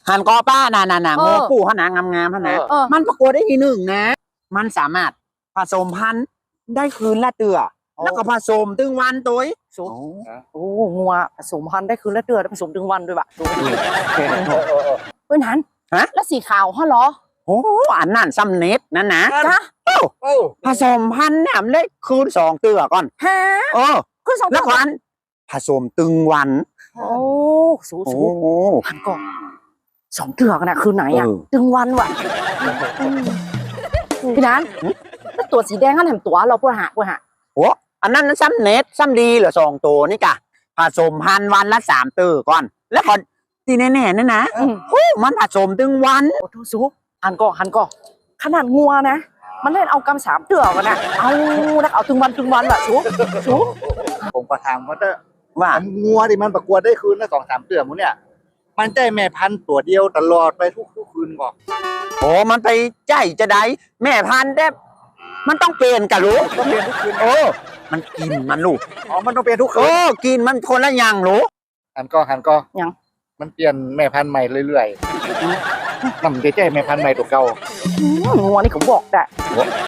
หันกอป้าน่ะโง่ปู่ขนาดงามๆขนาดมันประกวดได้ที่หนึ่งนะ มันสามารถผสมพันธุ์ได้คืนละเตือแล้วก็ผสมตึงวันตัวสูโอ้งัวผสมพันธุ์ได้คืนละเดือนผสมถึงวันด้วยบะเพื่อนหันแล้วสีขาวฮะเหรอโอ้อันนั่นซ้ำเน็ตนั่นนะจ้ะผสมพันธุ์เนี่ยมันได้คืน2เตือก่อนฮะคืน2 แล้วก่อนผสมตึงวันโอ้สูหันก่อน2เตือกันนะคืนไหนอ่ะตึงวันว่ะพี่นันแล้วตัวสีแดงนั่นแหมตัวเราเพื่อหาโอ้อันนั้นซ้ำเน็ตซ้ำดีเหรอ2ตัวนี่กะผสมพันธุ์วันละ3เตือก่อนแล้วก่อนที่แน่ๆนั่นนะมันผสมตึงวันโอ้ทุสูหันก่อขนาดงัวนะมันเล่นเอากำ3เตือกันนะเอาตึงวันแบบสูผมก็ถามเขาว่างัวที่มันประกวดได้คืนละ2-3เตือมั้งเนี่ยมันใจแม่พันธุ์ตัวเดียวตลอดไปทุกคืนก่อนโอ้มันไปใจจะได้แม่พันธุ์ได้มันต้องเปลี่ยนกะรู้ต้องเปลี่ยนทุกคืนมันกินมันลูกมันต้องเปลี่ยนทุกคืนกินมันคนละอย่างรู้หันก็ยังมันเปลี่ยนแม่พันธุ์ใหม่เรื่อยๆนำใจแม่พันธุ์ใหม่ตัวเก่างัวนี่เขาบอกได้